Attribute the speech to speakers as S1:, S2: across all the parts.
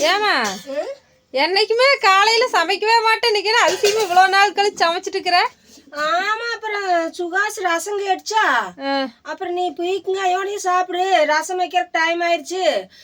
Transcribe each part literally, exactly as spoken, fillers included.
S1: ஏமா என்னைக்குமே காலையில சமைக்கவே மாட்டேன், இன்னைக்கு அரிசியுமே இவ்வளவு நாள் கழிச்சு சமைச்சிட்டு இருக்கிற.
S2: ஆமா, அப்புறம் சுகாஸ் ரசம் கேட்டுச்சா, அப்புறம் நீ போய்க்குங்க ஐயோனையும் சாப்பிடு, ரசம் வைக்கிற டைம் ஆயிடுச்சு,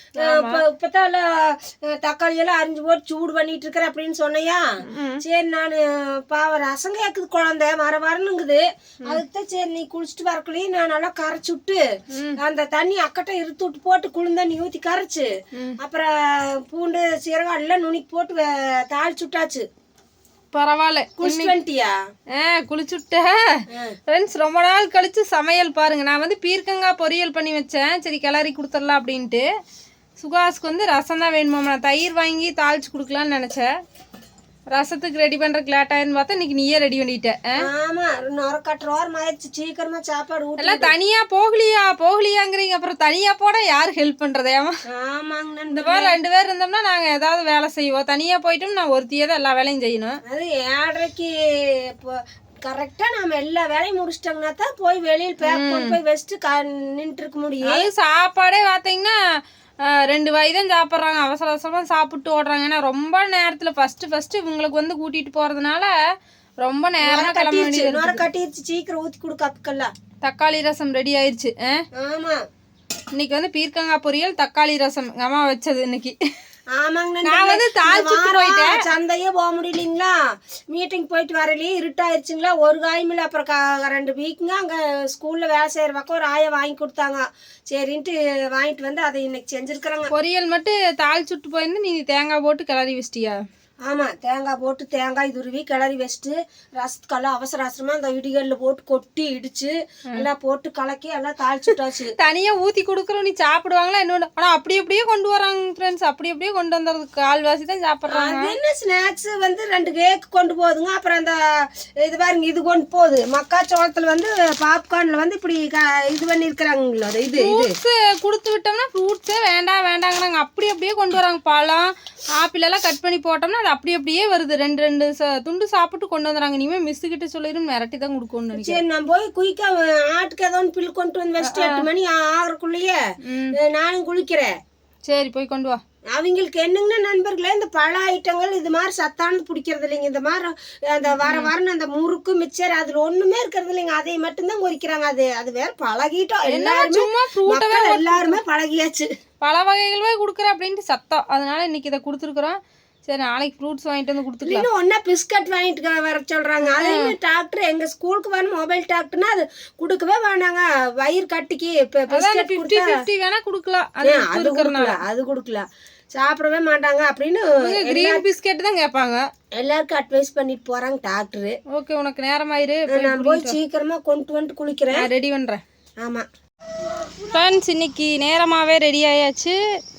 S2: இப்பதான் தக்காளி எல்லாம் அரிஞ்சு போட்டு சூடு பண்ணிட்டு இருக்கிற அப்படின்னு சொன்னையா. சரி நான் பாவ ரசம் கேக்குது குழந்தை வர வரணுங்குது, அதுக்குதான் சரி நீ குளிச்சுட்டு வரக்குள்ளேயும் நான் நல்லா கரைச்சு விட்டு அந்த தண்ணி அக்கட்டை இருத்து விட்டு போட்டு குளிர்ந்த தண்ணி ஊத்தி கரைச்சு அப்புறம் பூண்டு சீரகம் எல்லாம் நுனிக்கு போட்டு தாளிச்சு விட்டாச்சு.
S1: பரவாயில்ல,
S2: குளிச்சுட்டியா?
S1: ஆ குளிச்சுட்டேன் ஃப்ரெண்ட்ஸ். ரொம்ப நாள் கழிச்சு சமையல் பாருங்க. நான் வந்து பீர்க்கங்காய் பொரியல் பண்ணி வச்சேன், சரி கிளறி கொடுத்துடலாம் அப்படின்ட்டு. சுகாஸுக்கு வந்து ரசம் தான் வேணுமா, நான் தயிர் வாங்கி தாளிச்சு கொடுக்கலான்னு நினச்சேன். ரசத்துக்கு ரெடி பண்ணுறதுக்கு லேட் ஆயிடுன்னு பார்த்தா இன்னைக்கு நீயே ரெடி பண்ணிட்டேன்.
S2: ஆமா, நொர கட்டுறோர் ஆயிடுச்சு, சீக்கிரமா சாப்பாடு ஊட்டி.
S1: எல்லாம் தனியா போகலியா போகலியாங்கிறீங்க, அப்புறம் தனியா போட யாரு ஹெல்ப் பண்றது? ஏமா
S2: ஆமாங்க,
S1: இந்த மாதிரி ரெண்டு பேர் இருந்தோம்னா நாங்க ஏதாவது வேலை செய்வோம், தனியா போயிட்டோம் நான் ஒருத்தியே தான் எல்லா வேலையும் செய்யணும்.
S2: அது ஏழரைக்கு இப்போ கரெக்டா நாம எல்லா வேலையும் முடிச்சிட்டோம்னா தான் போய் வெளியில் பேக் கொண்டு போய் வச்சுட்டு நின்று இருக்க முடியும்.
S1: அது சாப்பாடே பார்த்தீங்கன்னா ரெண்டு வாய் தான் சாப்பிட்றாங்க, அவசர அவசரமாக சாப்பிட்டு ஓடுறாங்க. ஏன்னா ரொம்ப நேரத்தில் ஃபஸ்ட்டு ஃபஸ்ட்டு இவங்களுக்கு வந்து கூட்டிகிட்டு போகிறதுனால ரொம்ப நேரம் கிளம்ப வேண்டியது.
S2: கட்டிடுச்சு, சீக்கிரம் ஊற்றி கொடுக்க அப்பக்கெல்லாம்.
S1: தக்காளி ரசம் ரெடி ஆயிடுச்சு.
S2: ஆமா,
S1: இன்னைக்கு வந்து பீர்க்கங்காய் பொரியல் தக்காளி ரசம் அம்மா வச்சது இன்னைக்கு.
S2: ஆமாங்க,
S1: நான் வந்து தாளிச்சுட்டு போயிட்டேன்.
S2: சந்தையே போக முடியலைங்களா, மீட்டிங் போயிட்டு வரலையே இருட்டாயிருச்சுங்களா, ஒரு காயுமில்ல. அப்புறம் ரெண்டு வீக்குங்க அங்கே ஸ்கூலில் வேலை செய்கிற பக்கம் ஒரு ஆயை வாங்கி கொடுத்தாங்க, சரின்ட்டு வாங்கிட்டு வந்து அதை இன்னைக்கு செஞ்சுருக்குறாங்க.
S1: பொரியல் மட்டும் தாளிச்சுட்டு போயிருந்து நீ தேங்காய் போட்டு கிளறி வச்சிட்டியா?
S2: ஆமாம், தேங்காய் போட்டு தேங்காய் துருவி கிளறி வச்சுட்டு ரசத்துக்கெல்லாம் அவசர அவசரமாக அந்த இடிகளில் போட்டு கொட்டி இடிச்சு எல்லாம் போட்டு கலக்கி எல்லாம் தாளிச்சுட்டாச்சு.
S1: தனியாக ஊற்றி கொடுக்குறோம், நீ சாப்பிடுவாங்களா இன்னொன்று? ஆனால் அப்படி அப்படியே கொண்டு வராங்க ஃப்ரெண்ட்ஸ், அப்படி அப்படியே கொண்டு வந்துடுறது, கால்வாசி தான் சாப்பிட்றாங்க.
S2: அது என்ன ஸ்நாக்ஸ் வந்து ரெண்டு கேக் கொண்டு போகுதுங்க, அப்புறம் அந்த இது பாருங்க இது கொண்டு போகுது மக்காச்சோளத்தில் வந்து பாப்கார்னில் வந்து இப்படி இது பண்ணியிருக்கிறாங்களோ அது இது
S1: ஃப்ரூட்ஸு கொடுத்து விட்டோம்னா ஃப்ரூட்ஸே வேண்டாம் வேண்டாங்கிறாங்க, அப்படி அப்படியே கொண்டு வராங்க. பழம் ஆப்பிள் எல்லாம் கட் பண்ணி போட்டோம்னா அப்படி அப்படியே வருது, ரெண்டு ரெண்டு துண்டு சாப்பிட்டு கொண்டு வந்துறாங்க. இனிமே மிஸ் கிட்ட சொல்லிடும் மிரட்டி தான் கொடுக்கணும்னு நினைக்கிறேன்.
S2: சரி நான் போய் குயிக்கா ஆட்டுக்கு ஏதோ ஒன்று பில் கொண்டு வந்து வச்சுட்டு எட்டு மணி ஆகிறக்குள்ளேயே நானும் குளிக்கிறேன்.
S1: சரி போய் கொண்டு வா.
S2: அவங்களுக்கு என்னங்கன்னா நண்பர்களே, இந்த பழ ஐட்டங்கள் இது மாதிரி சத்தானது பிடிக்கிறது இல்லைங்க. இந்த மாதிரி அந்த வர வரன்னு அந்த முறுக்கு மிச்சர் அதுல ஒண்ணுமே இருக்கிறது இல்லைங்க, அதை மட்டும்தான் குறிக்கிறாங்க. அது அது வேற பழகிட்டோம் எல்லாருமே, எல்லாருமே பழகியாச்சு.
S1: பல வகைகளே கொடுக்குறேன் அப்படின்ட்டு சத்தம், அதனால இன்னைக்கு இதை கொடுத்துருக்குறோம். சரி நாளைக்கு ஃப்ரூட்ஸ் வாங்கிட்டு வந்து கொடுத்துக்கலாம்.
S2: இன்னும் ஒன்றா பிஸ்கட் வாங்கிட்டு வர சொல்கிறாங்க. அதேமாதிரி டாக்டர் எங்கள் ஸ்கூலுக்கு வர மொபைல் டாக்டர்னா அது கொடுக்கவே வேணாங்க, வயிறு கட்டிக்கு இப்போ பிஸ்கட்
S1: கொடுத்தா வேணா கொடுக்கலாம்,
S2: அது கொடுக்கலாம் அது கொடுக்கலாம் சாப்பிடவே மாட்டாங்க அப்படின்னு
S1: கிரீன் பிஸ்கெட் தான் கேட்பாங்க.
S2: எல்லாருக்கும் அட்வைஸ் பண்ணிட்டு போகிறாங்க டாக்டரு.
S1: ஓகே உனக்கு நேரம் ஆயிரு,
S2: நான் போய் சீக்கிரமாக கொண்டு வந்துட்டு குளிக்கிறேன்,
S1: ரெடி பண்ணுறேன்.
S2: ஆமாம்
S1: ஃப்ரெண்ட்ஸ், இன்னைக்கு நேரமாகவே ரெடி ஆயாச்சு.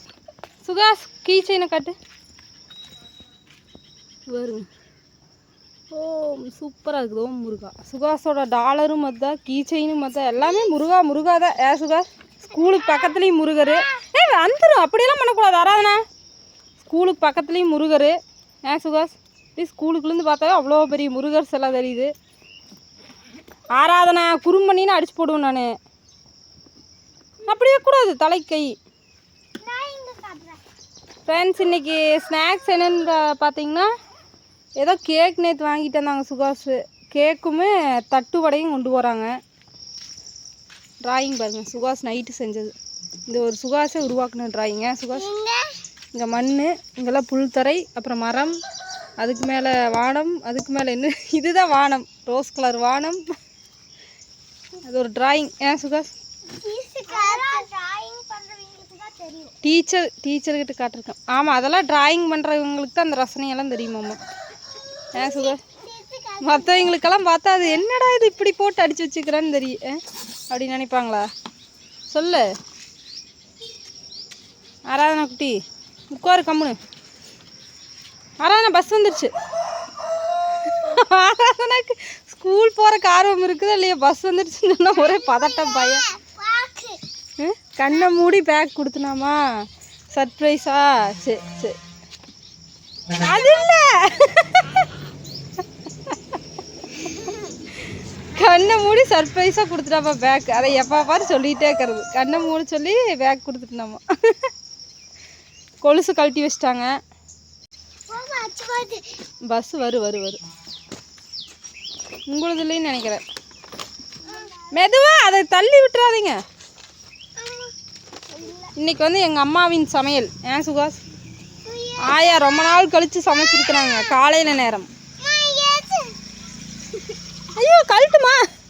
S1: சுகாஸ் கீ செயினை காட்டு வருங்க. ஓ சூப்பராக இருக்குது. ஓம் முருகா. சுகாஸோட டாலரும் மொத்தம், கீ செயினும் மொத்தம், எல்லாமே முருகா முருகா தான். ஏ சுகாஸ் ஸ்கூலுக்கு பக்கத்துலேயும் முருகர். ஏ வந்துடும், அப்படியெல்லாம் பண்ணக்கூடாது. ஆராதனா ஸ்கூலுக்கு பக்கத்துலேயும் முருகர். ஏ சுகாஸ் இப்படி ஸ்கூலுக்குலேருந்து பார்த்தாவே அவ்வளோ பெரிய முருகர் சிலை தெரியுது. ஆராதனா குறும்பண்ணின்னு அடிச்சு போடுவேன் நான். அப்படியே கூடாது, தலை கை. ஃப்ரெண்ட்ஸ் இன்றைக்கி ஸ்நாக்ஸ் என்னென்னு பார்த்தீங்கன்னா ஏதோ கேக் நேற்று வாங்கிட்டு வந்தாங்க சுகாஸு, கேக்குமே தட்டு வடையும் கொண்டு போகிறாங்க. ட்ராயிங் பாருங்கள், சுகாஸ் நைட்டு செஞ்சது. இந்த ஒரு சுகாஸை உருவாக்குன ட்ராயிங்க. சுகாஸ் இங்கே மண், இங்கெல்லாம் புல்தரை, அப்புறம் மரம், அதுக்கு மேலே வானம், அதுக்கு மேலே என்ன இதுதான் வானம், ரோஸ் கலர் வானம். அது ஒரு ட்ராயிங். ஏன் சுகாஸ் டீச்சர் டீச்சர்கிட்ட காட்டிருக்கேன். ஆமாம் அதெல்லாம் ட்ராயிங் பண்ணுறவங்களுக்கு தான் அந்த ரசனையெல்லாம் தெரியுமாம்மா. ஏன் சுகாஸ் மற்றவங்களுக்கெல்லாம் பார்த்தா அது என்னடா இது இப்படி போட்டு அடித்து வச்சுக்கிறான்னு தெரியும் அப்படின்னு நினைப்பாங்களா? சொல்லு ஆராதனா குட்டி, உட்காரு கம்முனு. ஆராதனா பஸ் வந்துடுச்சு. ஆராதனாக்கு ஸ்கூல் போகிறக்கு ஆர்வம் இருக்குதா இல்லையா? பஸ் வந்துடுச்சுன்னு சொன்னால் ஒரே பதட்டம் பையன். கண்ணை மூடி பேக் கொடுத்துனாமா சர்ப்ரைஸா? சரி சரி அது இல்லை, கண்ணை மூடி சர்ப்ரைஸாக கொடுத்துட்டாப்பா பேக். அதை எப்போ பாரு சொல்லிகிட்டே இருக்கிறது, கண்ணை மூடி சொல்லி பேக் கொடுத்துட்டுனாமா. கொலுசு கழட்டி வச்சிட்டாங்க. பஸ் வரு வரு வரு உங்களது இல்லைன்னு நினைக்கிறேன். மெதுவா அதை தள்ளி விட்டுறாதீங்க. இன்னைக்கு வந்து எங்கள் அம்மாவின் சமையல். ஏன் சுகாஸ்? ஆயா ரொம்ப நாள் கழித்து சமைச்சிருக்கிறாங்க காலையில் நேரம். ஐயோ கழட்டுமா.